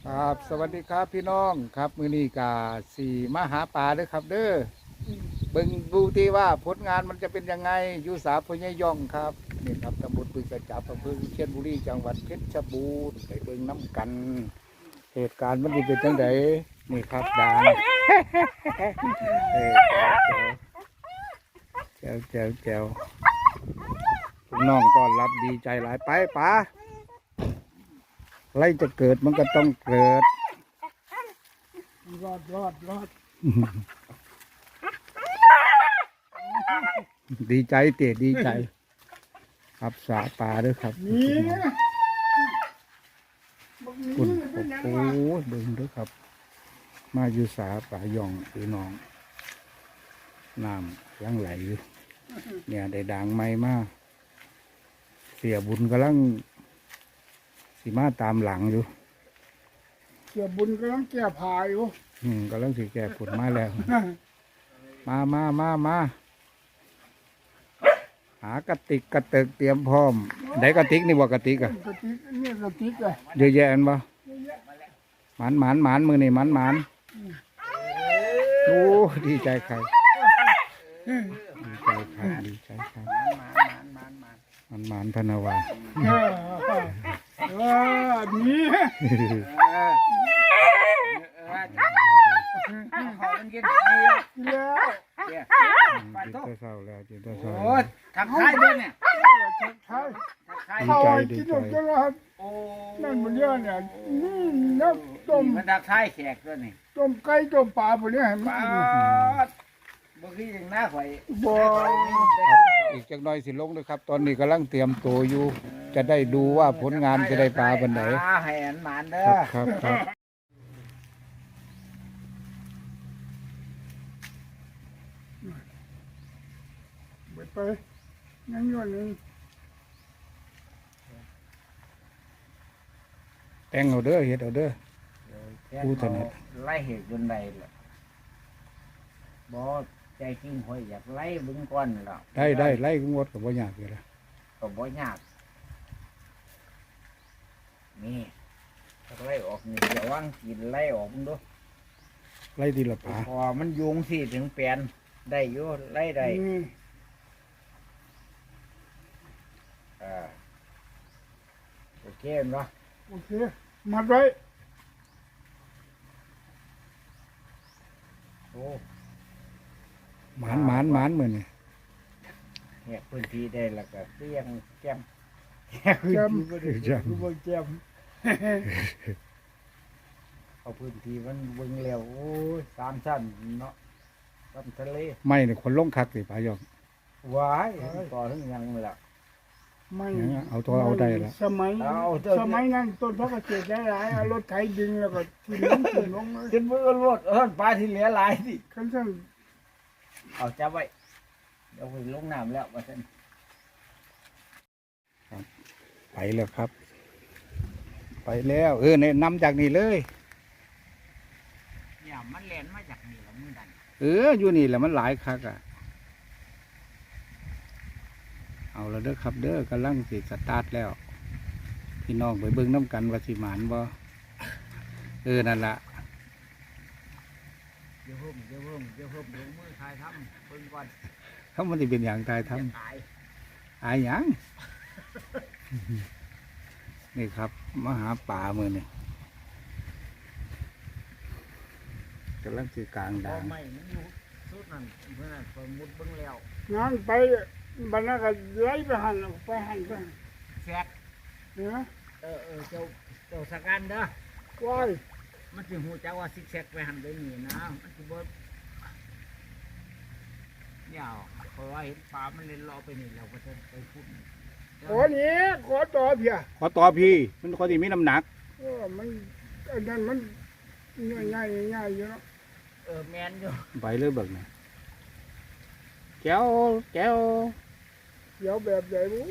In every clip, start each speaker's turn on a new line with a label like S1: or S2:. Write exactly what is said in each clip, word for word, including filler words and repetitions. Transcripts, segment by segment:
S1: ครับสวัสดีครับพี่น้องครับมือนี้กาสี่มาหาปลาเด้อครับเด้อเบิ่งดูที่ว่าผลงานมันจะเป็นยังไงอยู่สาพญายองครับนี่ครับตำบลปึกกระจับอำเภอวิเชียรบุรีจังหวัดเพชรบูรณ์ไปเบิ่งน้ำกัน เหตุการณ์มันจะเป็นจังไดนี่ครับด่างเออแจ๋วแจ๋วแจ๋วพี่น้องต้อนรับดีใจหลายไปป๋าอะไรจะเกิดมันก็ต้องเกิด
S2: รอดรอดรอด
S1: ดีใจเตะดีใจครับสาปลาด้วยครับ
S2: นี่
S1: คุณโอ้โหดึงด้วยครับ มาอยู่สาปลาย่องพี่น้องน้ำยังไหลอยู่เนี่ยได้ด่างไม้มากเสียบุญกำลังสีมาตามหลังอยู่
S2: เกี่ยบุญกำลังแก่ผายอยู่
S1: อืมกำลังสีแก่ผลมาแล้ว มามามามาหากระติกกระเติกเตรียมพร้อมได้กระติกนี่ว่ากระติกอะ
S2: กระติกนี่กระติกเลย
S1: เยอะแยะอันบ่หมานหมานหมานมือนี่หมานหมานโอ้ดีใจใครดีใจใครดีใจใครหมานหมานพนาวา
S2: เออนี่
S3: เขาเป็นกินดี
S2: แล้ว
S1: จิตเศร้าแล้วจิตเศร้า
S3: โอ้ทักทายด้วยเนี่ย
S2: ใช่
S3: ทักทาย
S2: เขากินจนแล้ว
S3: โอ้
S2: นั่นมันเยอะเนี่ยนี่น้ำต้ม
S3: มันทักทายแขกด้วยนี่
S2: ต้มไก่ต้มปลาพวกนี้ให้มั
S3: ป้าน บ่คืออย่างหน้าข่อย
S2: บ่
S1: อีกจักหน่อยสิลงด้วยครับ ตอนนี้กำลังเตรียมตัวอยู่ จะได้ดูว่าผลงานจะได้ปลาบันไหน
S3: ให้อันหมานเด้อ
S1: ครับครับ
S2: ไปไปนั่งอยู่นี่
S1: แต่งเอาเด้อเฮ็ดเอาเด้อ ผู้ถนัด
S3: ไล่เหตุจนใดล่ะบ่ใจจริงข่อยอยากไล่เบิ่งก่อนแล้ว
S1: ได้ได้ไล่กุ้งวดกับบ่ยากอยู่ละ
S3: ก็บ่ยากนี่ถ้าไล่ออกนี่จะวางกินไล่ออกมึงดู
S1: ไล่ทีละปลา
S3: พอมันยุงสิถึงแปลนได้อยู่ไล่ได้
S2: นี่
S3: อ่าโอเคเนาะ
S2: โอเคมัดไว้
S3: โอ้
S1: หมานหมานหมานมือนี่
S3: เนี่ยพื้นที่ได้แล้วก็เตี้ยงแก้ม
S2: แจม
S1: จัง
S2: กูบ่แจม
S3: เอาพื้นที่มันเบิ่งแล้วโอ้ยสามชั้นเนาะลำทะเล
S1: ไม่เนี่ยคนลงคักสิปลายอง
S3: ว้ายต่อถึงยังเลยล่ะ
S2: ไม่
S1: เนี่ยเอาตัวเอาได้แล้ว
S2: สมัย
S3: เอาเถอะ
S2: สมัยนั้นต้นพระเกษตรหลายๆเอารถไถดึงแล้วก็ทิ้งลงทิ้งลงเลย
S3: ขึ้นมือรวดเออปลาที่เหลือหลายสิ
S2: คันซั่น
S3: เอาจับไว้เดี๋ยวไปลงน้ำแล้วว่าซั่น
S1: ไปแล้วครับ ไปแล้วเออเนี่ยนำจากนี่เลย
S3: เนี่ยมันแล่นมาจากนี่ละมึงดัน
S1: เอออยู่นี่แหละมันหลายคักอ่ะเอาแล้วเด้อครับเด้อกำลังสิสตาร์ทแล้ว พี่น้องไปเบิ่งน้ำกันว่าสิหมานบ่เออนั่นล่ะ
S3: เดี๋ยวเพิ่มเดี๋ยวเพิ่มเดี๋ยวเพิ่มลงมือทายทำเพิ่งก่อน
S1: เขามันสิเป็นอย่างตายทำ
S3: จะตาย
S1: อายหยัง นี่ครับมาหาป่ามือนี่กำลังสิกลาง
S3: พอ
S1: ด่าง
S3: ไม่มันอยู่สุดนั่นเพื่อนนไปมุดเบิ่งแล้ว
S2: งานไปบรรณาก็ไล่ไปหันไปหันไป
S3: แซก
S2: เนี่ย
S3: เออเออเจ้าเจ้าสกันเด้อ
S2: ว้าย
S3: มันสิหูจักว่าซิกแซกไปหันไปนี่นะมันสิบ่เนี่ยเพราะว่าเห็นปลามันเล่นรอไปนี่เราก็จะไปพูด
S2: ขอนี้ขอต่อเพีย
S1: ขอต่อพี่มันขอที่มีน้ำหนัก
S2: เออมันอันนั้นมันง่ายๆง่ายๆอยู่เนาะ
S3: เออแมนอยู่
S1: ไปเลยเบิกนะแก้วแก้ว
S2: เดี๋ยวแบบใหญ่บู๊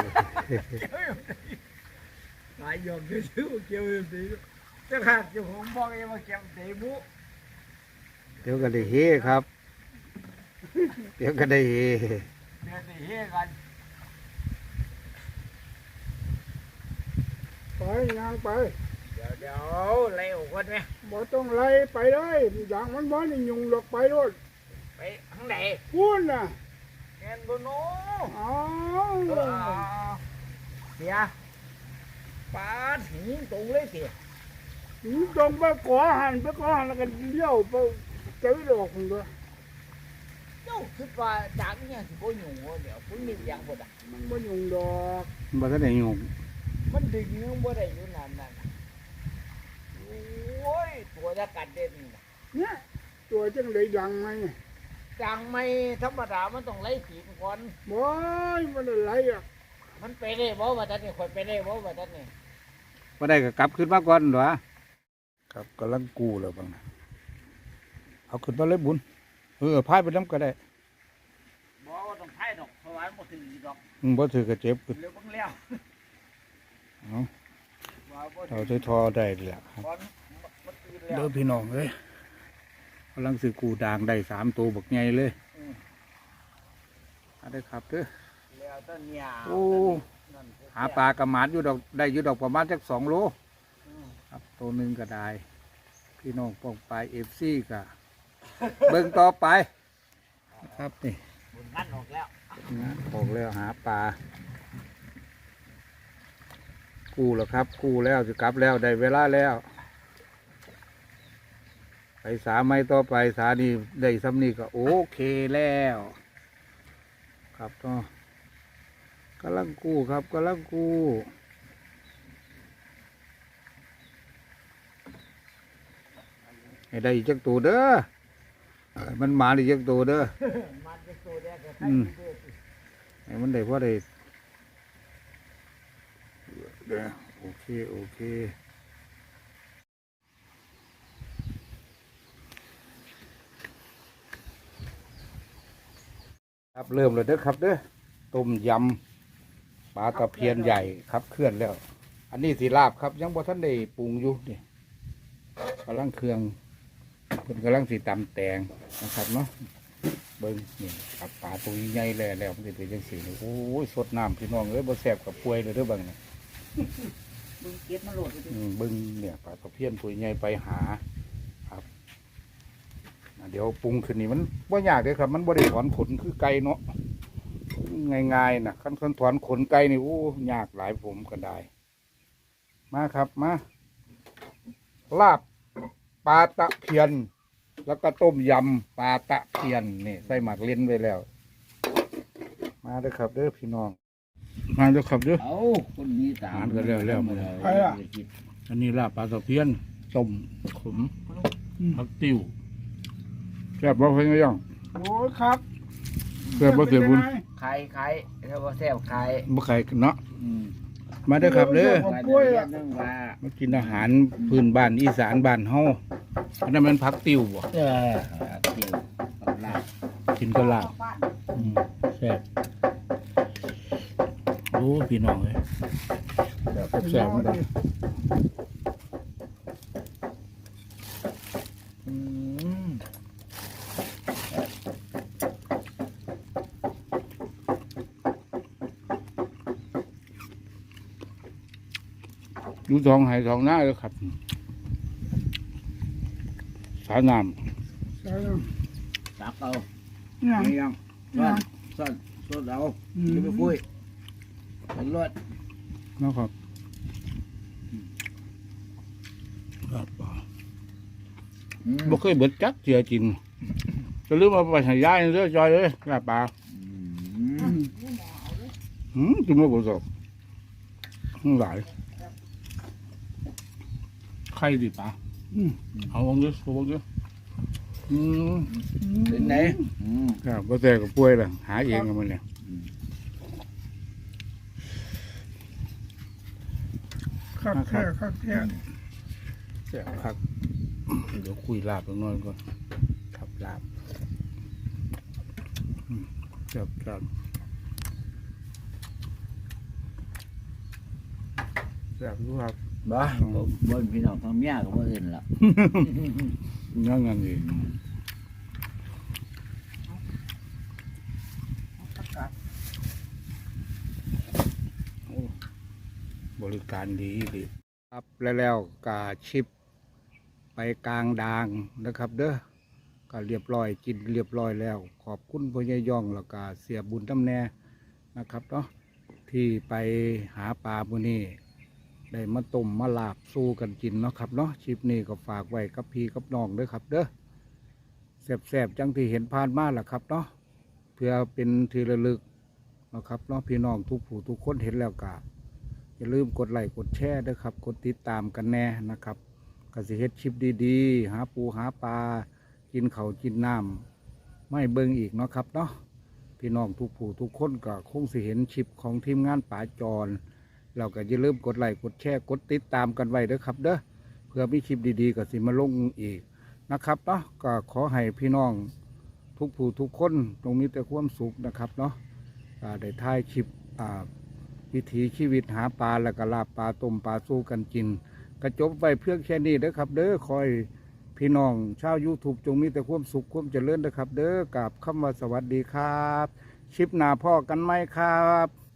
S3: หลายยอมจะซื้อเกี่ยวเอ็มดีจะขาดอยู่ผมบอกเองว่าเกี่ยวเตะบุ
S1: เดี๋ยวก็ได้เฮครับ เดี๋ยวก็ได้เฮ
S3: เดี๋ยวจะเฮกัน
S2: ไปงานไป
S3: เดี๋ดี๋ยวเดี๋ยวไล่ออกคนไหม
S2: บ่ต้องไล่ไปเลยอย่างมันบ่ได้ยุงหรอกไปโลด
S3: ไปทางไหน
S2: พูนน่ะ
S3: แอนโบโน
S2: อ๋อ
S3: เออเสียปาดหินตรงเลยเสีย
S2: ถึงตรงไปขอหันไปขอหันแล้วก็เลี้ยวไปเจอดอกมันด้วย
S3: เจ้าคิดว่าจากเนี่ยสิบ่หยุ่งเดี๋ยวพุ่นมีอย่างบ่ได้
S2: มันบ่ยุงดอก
S1: บ่ทันได้ยุ่ง
S3: มันดึงยังบ่ได้อยู่นั่นนั่นน่ะโอ้ยตัวจะกัดเด่นน่ะ
S2: เนี่ยตัวจังเลยดังไหม
S3: จังไม่ธรรมดามันต้องไล่ผีก่อน
S2: บ่ยมันอะไรอ่ะ
S3: มันไปได้บ่ว่าท่านนี่คนไปได้บ่ว่าท่านนี่
S1: บ่ได้ก็กลับขึ้นมาก่อนหรอครับกำลังกู้แล้วบังนะเอาขึ้นมาเลยบุญเออพายไปน้ำก็ได้
S3: บ่ว่าต้องไถ่ดอกเพราะว่ามันบ่ถึงดอก
S1: อืมบ่ถือก็เจ็บขึ้น
S3: เร็วบังแล้ว
S1: เอา
S3: ว่าบ่
S1: เอา
S3: ถึง
S1: ใส่ทอได้แหละครับ
S3: ก่อนมันตื่นแล้ว
S1: เด้อพี่น้องเอ้ยกำลังซื้อกูด่างได้สามตัวบักใหญ่เลย
S3: อืม
S1: เอาได้ครับเด้อ
S3: แล้วต้นยา
S1: โอ้
S3: นั่น
S1: หาปลากระหมาดอยู่ดอกได้อยู่ดอกประมาณจักสองโล
S3: อืม
S1: ครับตัวหนึ่งก็ได้ พี่น้องป้องปลายเอฟซีก็ เบิ่งต่อไปนะครับนี่
S3: บุญนั่นออกแล้ว
S1: นะออกแล้วหาปลากู้แล้วครับกู้แล้วจะกลับแล้วได้เวลาแล้ว ไปสาไม่ต่อไปสานี่ได้ซ้ำนี่ก็โอเคแล้ว ครับก็กำลังกู้ครับกำลังกู้ให้ได้อีกจักตัวเด้อให้มันมาอีกจักตัวเด้อ
S3: มันจะตัวแรกก็
S1: อื
S3: ไถ่
S1: ม ให้มันได้พอได้เด้อโอเคโอเคครับเริ่มเลยเด้อครับเด้อต้มยำปลาตะเพียนใหญ่ครับเคลื่อนแล้ว อันนี้สีลาบครับยังบ่ทันได้ปรุงอยู่นี่กำลังเครื่องเพิ่นกำลังสีตำแตงนะครับเนาะเบิ้งนี่ครับปลาตัวใหญ่ๆแล้วแล้วมันจะเป็นจังสีนี่โอ้ยสดน้ำพี่น้องเอ้ยบ่แซ่บกับป่วยเลยเด้อเบังเนี่ย
S3: มึงเก็บมาโหลดไปดิ
S1: อืมเบิ้งเนี่ยปลาตะเพียนตัวใหญ่ไปหาครับอ่ะเดี๋ยวปรุงขึ้นนี่มันบ่ยากเด้อครับ มันบ่ได้ถอนขนคือไก่เนาะง่ายๆนะขั้นขั้นถอนขนไก่นี่โอ้ยากหลายผมก็ได้ มาครับมาลาบปลาตะเพียน แล้วก็ต้มยำปลาตะเพียนนี่ใส่หมักเล่นไว้แล้ว มาเด้อครับเด้อพี่น้อง มาเด้อครับเด้อ
S3: เอาคนนี้ตาม
S1: อ่านกันแล้วแล้ว
S2: ไปอ่ะ
S1: อันนี้ลาบปลาตะเพียนต้มขมผักติ้วแซ่บบ่เพิ่นก็ย่อง
S2: โอ้ยครับ
S1: แซ่บบ่เสียบุญ
S3: ไข่ไข่ถ้าว่าแซ่บไข่
S1: บ่ไข่เนาะ
S3: อืม
S1: มาเด้อครับเด้อ
S3: ไข่เดือนนึงว่า
S1: มากินอาหารพื้นบ้านอีสานบ้านเฮาอันนั้นมันผักติ้วบ่
S3: เออเกี่ยวกับลาบ
S1: กินก็ลาบอืมแซ่บโอ้พี่น้องเอ้ยแบบแซ่บๆเหมือนกันอืมดูสองไหสองหน้าเลยครับ สายน้
S2: ใช่แล้ว
S3: ตักเอา
S2: เนี่ย
S3: ไม่ยังซ่อนซ่อนซ่อนเอาจะไปคุยเป็นรถ
S1: ำนะครับครับบ่เคยเบิดจักเจียจริงจะลืมเอาไปใหายายเรื่อยจอยเลยลาบปลาหืมกินไม่บ่สบหลายไข่ดิปลาอืมเอาวางเยอะเอาวางเยอะอืม
S3: เป็นไหนอืม
S1: ครับก็แต่กับป่วยล่ะหาเองกับมันเนี่ย
S2: ครับแท้ครับแท้
S1: เสียครับเดี๋ยวคุยลาบตรงนั้นก่อนครับลาบอืมครับครับแซ่บดูครับ
S3: บ้าบนพี่น้องทำเมียกับคนอื่นละ
S1: นั่นงั้นเองโอ้บริการดีดีครับแล้วแล้วกาชิปไปกลางดางนะครับ เด้อก็เรียบร้อยกินเรียบร้อยแล้ว ขอบคุณพ่อใหญ่ย่องแล้วก็เสียบุญตำแน่นะครับเนาะที่ไปหาปลามื้อนี้ได้มาต้มมาลาบสู้กันกินเนาะครับเนาะชิปนี้ก็ฝากไว้กับพี่กับน้องเด้อครับ เด้อแซ่บๆจังที่เห็นผ่านมาล่ะครับเนาะเพื่อเป็นที่ระลึกนะครับเนาะพี่น้องทุกผู้ทุกคนเห็นแล้วก็อย่าลืมกดไลค์กดแชร์ด้วยครับกดติดตามกันแน่นะครับก็สิเฮ็ดคลิปดีๆหาปูหาปลากินเขาวกินน้ำไม่เบิ่งอีกเนาะครับเนาะพี่น้องทุกผู้ทุกคนก็คงสิเห็นคลิปของทีมงานป่าจรเราก็อย่าลืมกดไลค์กดแชร์กดติดตามกันไว้เด้อครับเด้อเพื่อมีคลิปดีๆก็สิมาลงอีกนะครับเนาะก็ขอให้พี่น้องทุกผู้ทุกคนตรงมีแต่ความสุขนะครับเนาะอ่าได้ถ่ายคลิปอ่าวิถีชีวิตหาปลาแล้วก็ลาบปลาต้มปลาสู้กันกินกระจบไว้เพื่อแค่นี้เด้อครับ เด้อคอยพี่น้องชาว YouTube จงมีแต่ความสุขความเจริญเด้อครับ เด้อกับคำว่าสวัสดีครับชิปหน้าพ่อกันไหมครับ